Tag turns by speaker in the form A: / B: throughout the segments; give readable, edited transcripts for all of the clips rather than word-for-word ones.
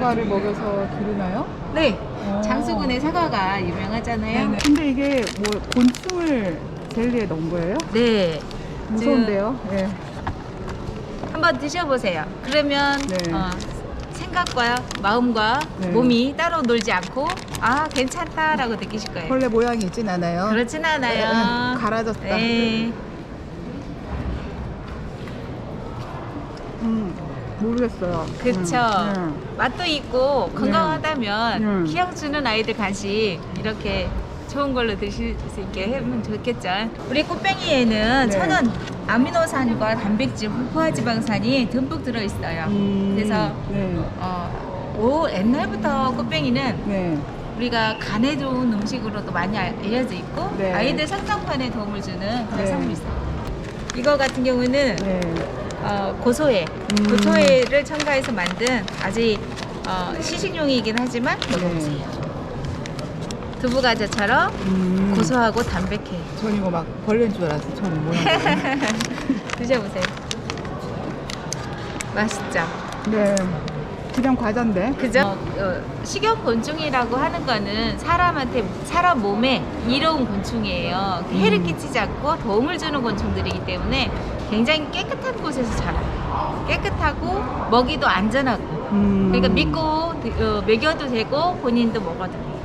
A: 사과를 먹여서 기르나요?
B: 네, 장수군의 사과가 유명하잖아요.
A: 네네. 근데 이게 뭐 곤충을 젤리에 넣은 거예요?
B: 네.
A: 무서운데요? 네.
B: 한번 드셔보세요. 그러면
A: 네.
B: 생각과 마음과
A: 네.
B: 몸이 따로 놀지 않고 아 괜찮다라고 느끼실 거예요.
A: 벌레 모양이 있진 않아요?
B: 그렇진 않아요.
A: 갈아졌다.
B: 네.
A: 모르겠어요.
B: 그쵸. 맛도 있고 건강하다면
A: 네.
B: 기억 주는 아이들 간식 이렇게 좋은 걸로 드실 수 있게 하면 좋겠죠. 우리 꽃뱅이에는
A: 네.
B: 천연 아미노산과 단백질, 포화지방산이 듬뿍 들어있어요. 그래서
A: 네.
B: 옛날부터 꽃뱅이는
A: 네.
B: 우리가 간에 좋은 음식으로도 많이 알려져 있고
A: 네.
B: 아이들 성장판에 도움을 주는 그런
A: 네.
B: 성분이 있어요. 이거 같은 경우는
A: 네.
B: 고소해. 고소해를 첨가해서 만든 아직 시식용이긴 하지만 먹어보세요. 두부과자처럼 고소하고 담백해.
A: 전 이거 막 벌레인 줄 알았어. 처음 모양.
B: 드셔보세요. 맛있죠?
A: 네. 그냥 과자인데.
B: 그죠? 식용곤충이라고 하는 거는 사람 몸에 이로운 곤충이에요. 해를 끼치지 않고 도움을 주는 곤충들이기 때문에 굉장히 깨끗한 곳에서 자라요. 깨끗하고 먹이도 안전하고. 그러니까 믿고 먹여도 되고 본인도 먹어도 돼요.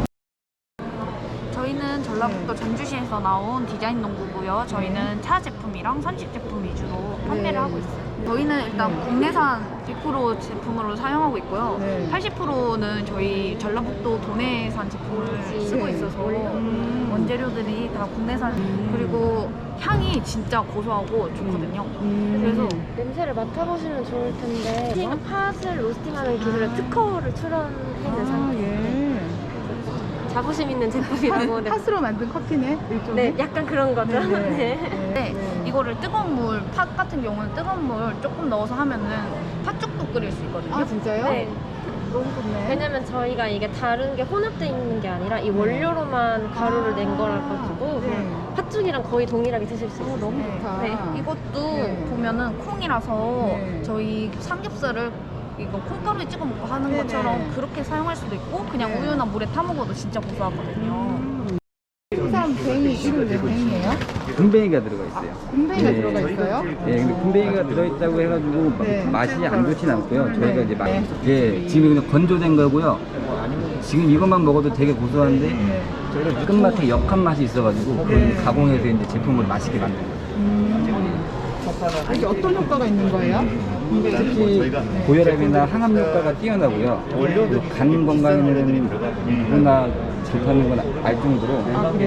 C: 저희는 전라북도 전주시에서 나온 디자인 농구고요. 저희는 차 제품이랑 선식 제품 위주로 판매를 하고 있어요. 저희는 일단 국내산 100% 제품으로 사용하고 있고요.
A: 네.
C: 80%는 저희 전라북도 도내산 제품을 쓰고 있어서 원재료들이 다 국내산 그리고 향이 진짜 고소하고 좋거든요. 그래서
D: 냄새를 맡아보시면 좋을 텐데 팥을 로스팅하는 기술에 특허를 출원해있는 상태인데 자부심 있는 제품이라고
A: 팥으로 만든 커피네? 일종의?
D: 네, 약간 그런 거죠. 네.
C: 네, 이거를 뜨거운 물, 팥 같은 경우는 뜨거운 물 조금 넣어서 하면은 팥죽도 끓일 수 있거든요.
A: 아 진짜요?
D: 네.
A: 너무 좋네.
D: 왜냐면 저희가 이게 다른 게 혼합되어 있는 게 아니라 이 원료로만 가루를 낸 거라 가지고
A: 네.
D: 팥죽이랑 거의 동일하게 드실 수 있어요.
A: 너무
C: 네.
A: 좋다.
C: 네, 이것도
A: 네.
C: 보면은 콩이라서
A: 네.
C: 저희 삼겹살을 이거 콩가루에 찍어 먹고 하는
A: 네네.
C: 것처럼 그렇게 사용할 수도 있고 그냥
A: 네.
C: 우유나 물에 타 먹어도 진짜 고소하거든요.
A: 생선 뱅이 이름이 왜 뱅이에요?
E: 군뱅이가 들어가 있어요.
A: 군뱅이가
E: 네.
A: 들어가 있어요?
E: 예, 근데 군뱅이가 들어있다고 해가지고
A: 네.
E: 맛이 안 좋진 않고요. 저희가
A: 네.
E: 이제
A: 네.
E: 예, 지금 그냥 건조된 거고요. 지금 이것만 먹어도 되게 고소한데
A: 네.
E: 끝맛에 역한 맛이 있어가지고 그걸
A: 네.
E: 가공해서 이제 제품을 맛있게 만든 거예요.
A: 이게 어떤 효과가 있는 거예요?
E: 특히 고혈압이나 항암 효과가 뛰어나고요. 그리고 간 건강에는 누구나 좋다는 건 알 정도로.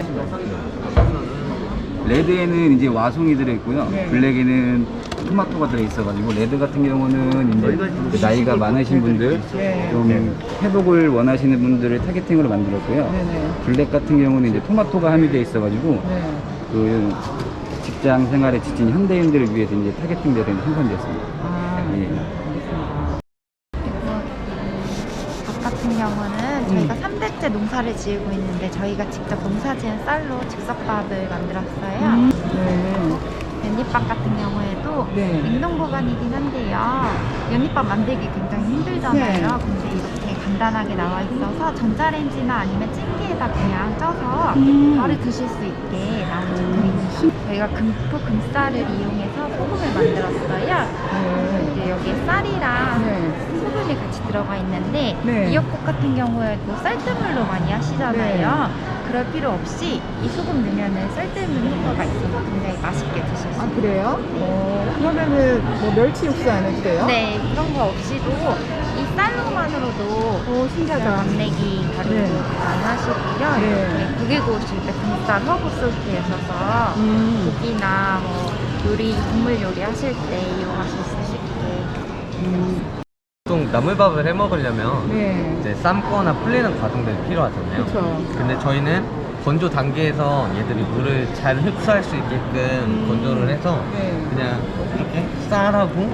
E: 레드에는 이제 와송이 들어있고요.
A: 네.
E: 블랙에는 토마토가 들어있어가지고 레드 같은 경우는 이제 그 나이가 많으신 분들
A: 네.
E: 좀 회복을 원하시는 분들을 타겟팅으로 만들었고요.
A: 네네.
E: 블랙 같은 경우는 이제 토마토가 함유되어 있어가지고
A: 네.
E: 그 직장 생활에 지친 현대인들을 위해서 이제 타겟팅되어 생산되었습니다.
A: 아,
E: 예.
F: 밥 같은 경우는 저희가 3대째 농사를 지으고 있는데 저희가 직접 농사지은 쌀로 즉석밥을 만들었어요.
A: 네.
F: 연잎밥 같은 경우에도
A: 네.
F: 냉동 보관이긴 한데요. 연잎밥 만들기 굉장히 힘들잖아요.
A: 네.
F: 근데 이렇게 간단하게 나와 있어서 전자레인지나 아니면 찜기에다 그냥 쪄서 바로 드실 수 있게 나온 제품입니다. 저희가 금쌀을 이용해서 소금을 만들었어요.
A: 네.
F: 이제 여기에 쌀이랑
A: 네.
F: 소금이 같이 들어가 있는데
A: 네.
F: 미역국 같은 경우에도 쌀뜨물로 많이 하시잖아요. 그럴 필요 없이 이 소금 넣으면 쌀뜨물 효과가 있어서 굉장히 맛있게 드실 수
A: 아
F: 있어요.
A: 그래요? 그러면은 뭐 멸치 육수 안 해도 돼요?
F: 네, 그런 거 없이도 이 쌀로만으로도
A: 신기하다.
F: 감내기 가루로
A: 네.
F: 많이 하시고요.
A: 네.
F: 이렇게 고기 구우실 때 금쌀 허브 소스에 있어서 고기나 뭐 요리, 국물 요리 하실 때 이용하실 수 있게.
G: 보통 나물밥을 해 먹으려면
A: 네.
G: 이제 삶거나 불리는 과정들이 필요하잖아요.
A: 그쵸.
G: 근데 저희는 건조 단계에서 얘들이 물을 잘 흡수할 수 있게끔 건조를 해서
A: 네.
G: 그냥 이렇게 쌀하고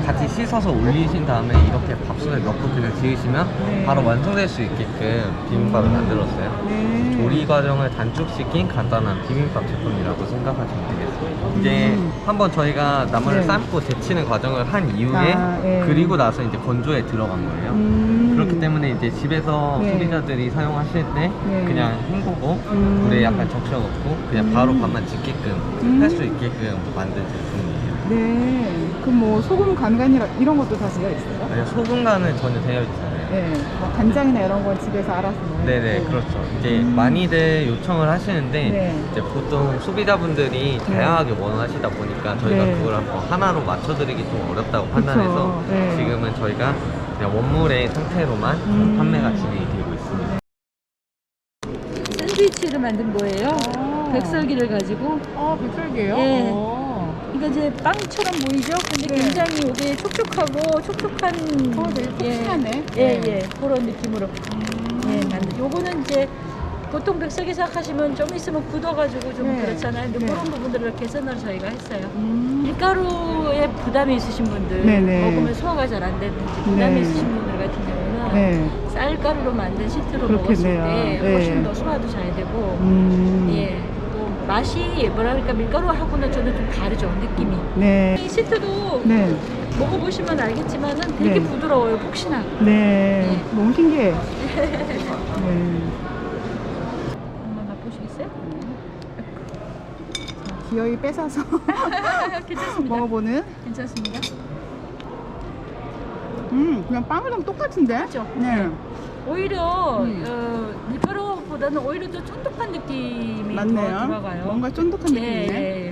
G: 같이 씻어서 올리신 다음에 이렇게 밥솥에 넣고 그냥 지으시면
A: 네.
G: 바로 완성될 수 있게끔 비빔밥을 만들었어요.
A: 네.
G: 조리 과정을 단축시킨 간단한 비빔밥 제품이라고 생각하시면 되겠습니다. 이제 한번 저희가 나물을
A: 네.
G: 삶고 데치는 과정을 한 이후에
A: 아, 네.
G: 그리고 나서 이제 건조에 들어간 거예요. 그렇기 때문에 이제 집에서
A: 네.
G: 소비자들이 사용하실 때
A: 네.
G: 그냥 헹구고 물에 약간 적셔놓고 그냥 바로 밥만 짓게끔 할 수 있게끔 만든 제품이에요.
A: 네. 그럼 뭐 소금 간간이라 이런 것도 다 되어 있어요?
G: 아니요, 소금간은 전혀 되어 있지 않아요.
A: 네. 뭐 간장이나 이런 건 집에서 알아서 넣어요?
G: 네네, 그렇죠. 이제 많이들 요청을 하시는데
A: 네.
G: 이제 보통 소비자분들이 다양하게 원하시다 보니까 저희가
A: 네.
G: 그걸 한번 하나로 맞춰드리기 좀 어렵다고 판단해서
A: 네.
G: 지금은 저희가 그냥 원물의 상태로만 판매가 진행이 되고 있습니다.
H: 샌드위치를 만든 거예요.
A: 아.
H: 백설기를 가지고.
A: 백설기예요?
H: 예.
A: 어.
H: 그러니까 이제 빵처럼 보이죠? 근데
A: 네.
H: 굉장히 이게 촉촉하고 촉촉한.
A: 되게 푹신하네.
H: 예,
A: 네.
H: 예. 그런 느낌으로. 예, 만든. 요거는 이제 보통 백설기 생각하시면 좀 있으면 굳어가지고 좀
A: 네.
H: 그렇잖아요. 근데
A: 네.
H: 그런 부분들을 개선을 저희가 했어요. 밀가루에 부담이 있으신 분들,
A: 네네.
H: 먹으면 소화가 잘 안 되는지 부담이
A: 네.
H: 있으신 분들 같은 경우는
A: 네.
H: 쌀가루로 만든 시트로
A: 그렇겠네요.
H: 먹었을 때
A: 네.
H: 훨씬 더 소화도 잘 되고 예, 또 맛이 뭐랄까 밀가루하고는 저는 좀 다르죠 느낌이.
A: 네.
H: 이 시트도
A: 네.
H: 먹어보시면 알겠지만은 되게
A: 네.
H: 부드러워요, 폭신하고.
A: 네. 너무 신기해. 네.
H: 한번 맛보시겠어요?
A: 기어이 뺏어서
H: 괜찮습니다.
A: 먹어보는.
H: 괜찮습니다.
A: 그냥 빵이랑 똑같은데?
H: 그렇죠?
A: 네.
H: 오히려 밀가루보다는 오히려 더 쫀득한 느낌이 더
A: 맞네요.
H: 들어가요.
A: 뭔가 쫀득한 느낌이네.
H: 예, 예.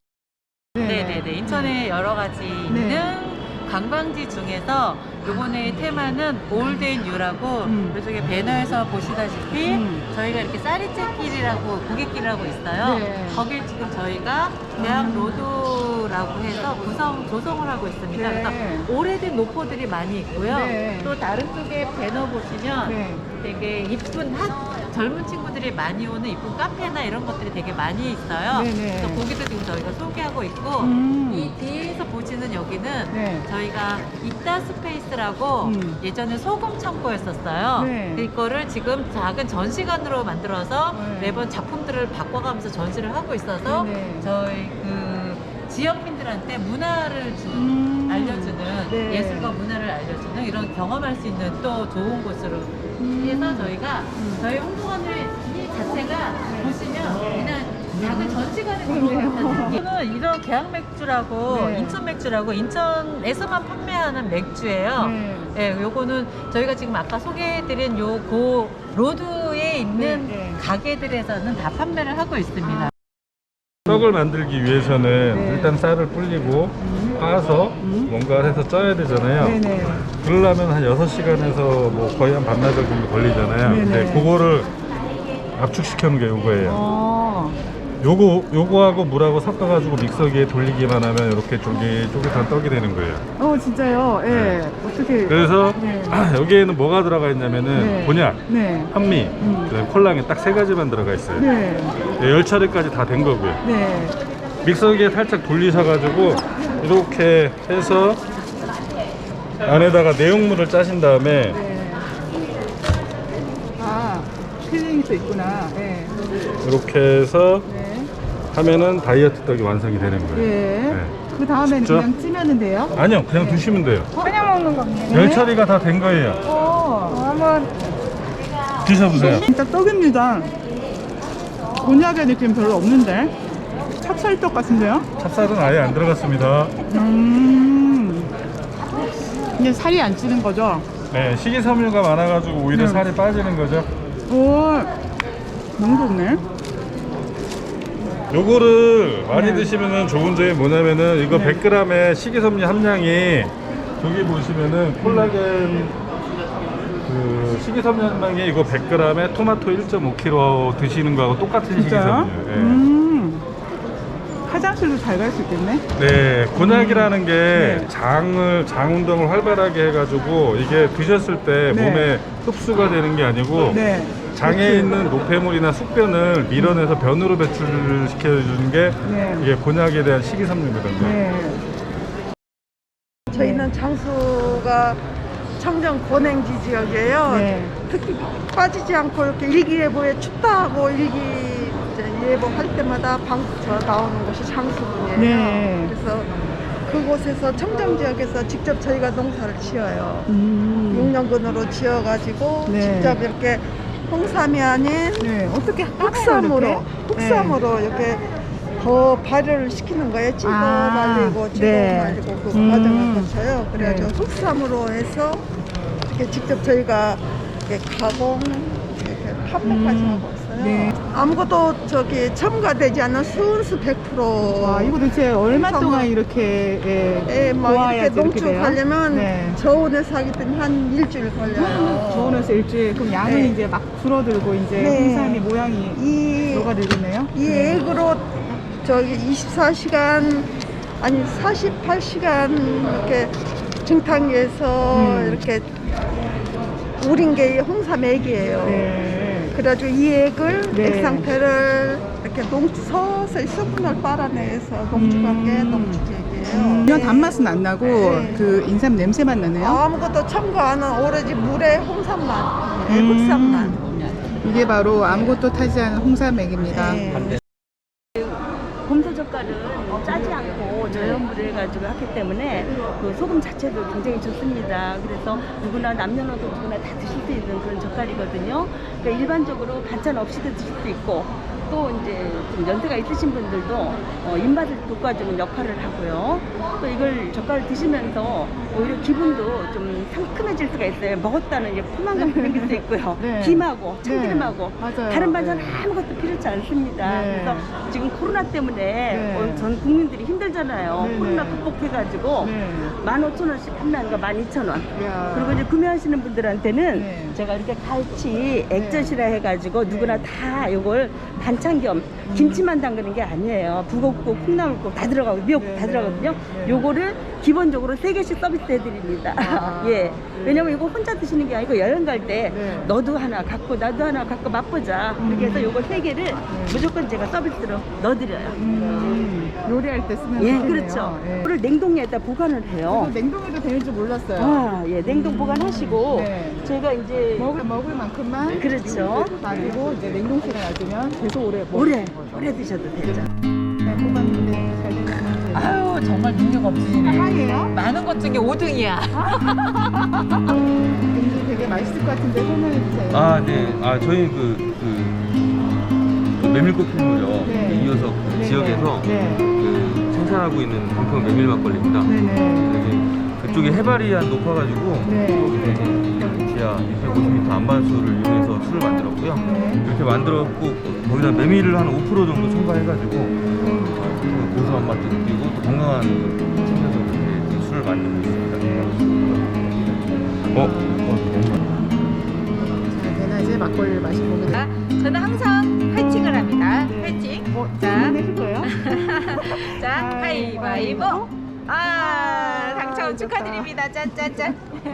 I: 네네네. 인천에 여러 가지 있는 관광지 중에서 요번에 테마는 올드 앤 뉴라고 이쪽에 배너에서 보시다시피 저희가 이렇게 쌀이채길이라고 고갯길이라고 있어요.
A: 네.
I: 거길 지금 저희가 대학 로드라고 해서 조성을 하고 있습니다.
A: 네.
I: 그래서 오래된 노포들이 많이 있고요.
A: 네.
I: 또 다른 쪽에 배너 보시면
A: 네.
I: 되게 이쁜 젊은 친구들이 많이 오는 이쁜 카페나 이런 것들이 되게 많이 있어요.
A: 네네.
I: 그래서 거기도 지금 저희가 소개하고 있고 이 뒤에서 보시는 여기는
A: 네.
I: 저희가 이따 스페이스라고 예전에 소금 창고였었어요.
A: 네.
I: 이거를 지금 작은 전시관으로 만들어서
A: 네.
I: 매번 작품들을 바꿔가면서 전시를 하고 있어서
A: 네네.
I: 저희 그 지역민들한테 문화를 알려주는
A: 네.
I: 예술과 문화를 알려주는 이런 경험할 수 있는 또 좋은 곳으로 해서 저희가 저희 홍보관을 이 자체가 보시면 그냥 작은 전시관에 들어오는 이거는 이런 계양 맥주라고
A: 네.
I: 인천 맥주라고 인천에서만 판매하는 맥주예요.
A: 네.
I: 네, 요거는 저희가 지금 아까 소개해드린 요고 로드에 있는
A: 네.
I: 가게들에서는 다 판매를 하고 있습니다.
J: 떡을 만들기 위해서는
A: 네.
J: 일단 쌀을 불리고 빻아서 뭔가를 해서 쪄야 되잖아요.
A: 네네.
J: 그러려면 한 6시간에서 뭐 거의 한 반나절 정도 걸리잖아요.
A: 네네.
J: 근데 그거를 압축시켜 놓은 게 요거예요. 요거하고 물하고 섞어가지고 믹서기에 돌리기만 하면 이렇게 쫄깃쫄깃한 떡이 되는 거예요.
A: 진짜요? 예.
J: 네.
A: 어떻게.
J: 그래서
A: 네.
J: 여기에는 뭐가 들어가 있냐면은
A: 네.
J: 곤약,
A: 네.
J: 현미, 그다음에 콜랑이 딱 3가지만 들어가 있어요.
A: 네.
J: 열 처리까지 다 된 거고요.
A: 네.
J: 믹서기에 살짝 돌리셔가지고 이렇게 해서 안에다가 내용물을 짜신 다음에
A: 네. 필링이 또 있구나. 네.
J: 이렇게 해서
A: 네.
J: 하면은 다이어트 떡이 완성이 되는 거예요.
A: 예.
J: 네.
A: 그 다음에는
J: 진짜?
A: 그냥 찌면은 돼요?
J: 아니요, 그냥 드시면 돼요.
A: 그냥 먹는 겁니다.
J: 열 처리가 다 된 거예요.
A: 한번
J: 드셔보세요.
A: 진짜 떡입니다. 곤약의 느낌 별로 없는데 찹쌀떡 같은데요?
J: 찹쌀은 아예 안 들어갔습니다.
A: 이게 살이 안 찌는 거죠?
J: 네, 식이섬유가 많아가지고 오히려
A: 네.
J: 살이 빠지는 거죠.
A: 오, 너무 좋네.
J: 요거를 많이
A: 네.
J: 드시면은 좋은 점이 뭐냐면은 이거
A: 네.
J: 100g의 식이섬유 함량이 저기 보시면은 콜라겐 그 식이섬유 함량이 이거 100g에 토마토 1.5kg 드시는 거하고 똑같은
A: 진짜요?
J: 식이섬유예요.
A: 화장실도 잘 갈 수 있겠네?
J: 네, 곤약이라는 게
A: 네.
J: 장 운동을 활발하게 해가지고 이게 드셨을 때
A: 네.
J: 몸에 흡수가 되는 게 아니고
A: 네.
J: 장에 있는 노폐물이나 숙변을 밀어내서 변으로 배출을 시켜주는 게
A: 네.
J: 이게 곤약에 대한 식이섬유거든요.
A: 네.
K: 저희는 장수가 청정 고냉지 지역이에요.
A: 네.
K: 특히 빠지지 않고 이렇게 일기예보에 춥다고 일기예보 할 때마다 저 나오는 곳이 장수군이에요.
A: 네.
K: 그래서 그곳에서 청정 지역에서 직접 저희가 농사를 지어요. 6년근으로 지어가지고
A: 네.
K: 직접 이렇게 홍삼이 아닌
A: 네. 어떻게
K: 흑삼으로 이렇게 더 발효를 시키는 거예요. 찍어 말리고 찍어
A: 네.
K: 말리고 그 과정을 거쳐요. 그래가지고 흑삼으로 해서 이렇게 직접 저희가 이렇게 가공, 이렇게 판매까지 하고 있어요.
A: 네.
K: 아무것도 첨가되지 않은 순수 100%.
A: 와, 이거 도대체 얼마
K: 흑삼으로.
A: 동안 이렇게
K: 예, 막 이렇게
A: 고아야지 이렇게 돼요?
K: 농축하려면
A: 네.
K: 저온에서 하기 때문에 한 일주일 걸려요.
A: 저온에서 일주일. 그럼 양은
K: 네.
A: 이제 막 줄어들고 이제
K: 네.
A: 홍삼이 모양이 녹아들겠네요.
K: 이 액으로 24시간 아니 48시간 이렇게 증탕기에서 이렇게 우린 게 홍삼 액이에요.
A: 네.
K: 그래가지고 이 액을
A: 네.
K: 액 상태를 이렇게 서서히 수분을 빨아내서 농축한 게 농축액이에요.
A: 전혀 단맛은 안 나고
K: 네.
A: 그 인삼 냄새만 나네요.
K: 아무것도 첨가 안 한 오로지 물에 홍삼만, 흑삼만.
A: 이게 바로 아무것도 타지 않은 홍삼액입니다.
K: 네.
L: 곰소 젓갈은 짜지 않고 저염물을 해가지고 하기 때문에 그 소금 자체도 굉장히 좋습니다. 그래서 누구나 남녀노소 누구나 다 드실 수 있는 그런 젓갈이거든요. 그러니까 일반적으로 반찬 없이도 드실 수 있고 또 이제 좀 연세가 있으신 분들도 입맛을 돋궈주는 역할을 하고요. 또 이걸 젓갈을 드시면서 오히려 기분도 좀 상큼해질 수가 있어요. 먹었다는 이제 포만감이 생길 수 있고요.
A: 네.
L: 김하고 참기름하고
A: 네. 맞아요.
L: 다른 반찬
A: 네.
L: 아무것도 필요치 않습니다.
A: 네.
L: 그래서 지금 코로나 때문에
A: 네.
L: 전 국민들이 힘들잖아요.
A: 네,
L: 코로나
A: 네.
L: 극복해가지고
A: 네.
L: 15,000원씩 판매하는 거 12,000원.
A: 이야.
L: 그리고 이제 구매하시는 분들한테는
A: 네.
L: 제가 이렇게 갈치 액젓이라 해가지고 누구나 다 이걸 반찬 겸 김치만 담그는 게 아니에요. 북엇국, 콩나물국 다 들어가고 미역국 다 들어가거든요. 요거를 기본적으로 3개씩 서비스 해드립니다. 예. 왜냐면 이거 혼자 드시는 게 아니고 여행 갈 때 너도 하나 갖고 나도 하나 갖고 맛보자. 그렇게 해서 요거 3개를 무조건 제가 서비스로 넣어드려요.
A: 요리할 때 쓰면
L: 예,
A: 좋겠네요.
L: 그렇죠.
A: 예.
L: 이거를 냉동에다 보관을 해요.
A: 이거 냉동해도 되는 줄 몰랐어요.
L: 아, 예, 냉동 보관하시고
A: 네.
L: 제가 이제
A: 먹을 만큼만
L: 그렇죠.
A: 놔두고 이제 냉동실에 놔두면 계속 오래
L: 오래 드셔도 되죠.
A: 잘 뽑았는데 잘 되면
I: 아유 정말 능력 없으시네.
A: 향이에요?
I: 많은 것 중에 5등이야.
A: 굉장히 되게 맛있을 것 같은데 설명해 주세요.
M: 아, 네. 아, 저희 그 메밀꽃 필무려
A: 네.
M: 이어서 그
A: 네.
M: 지역에서
A: 네.
M: 그 생산하고 있는 공평 메밀 막걸리입니다.
A: 네네.
M: 그쪽에 해발이 한 높아가지고
A: 네.
M: 거기서 지하 650m 안반수를 이용해서 술을 만들었고요.
A: 네.
M: 이렇게 만들었고 거기다 메밀을 한 5% 정도 첨가해가지고 그 고소한 맛도 느끼고 또 건강한 챙겨서 이렇게 술을 만들고 있습니다.
A: 자, 대낮에 막걸리를 마시고
B: 저는 항상 화이팅을 합니다. 화이팅. 자,
A: 해줄 거예요?
B: 자, 가위바위보. 당첨 축하드립니다. 짠짠짠.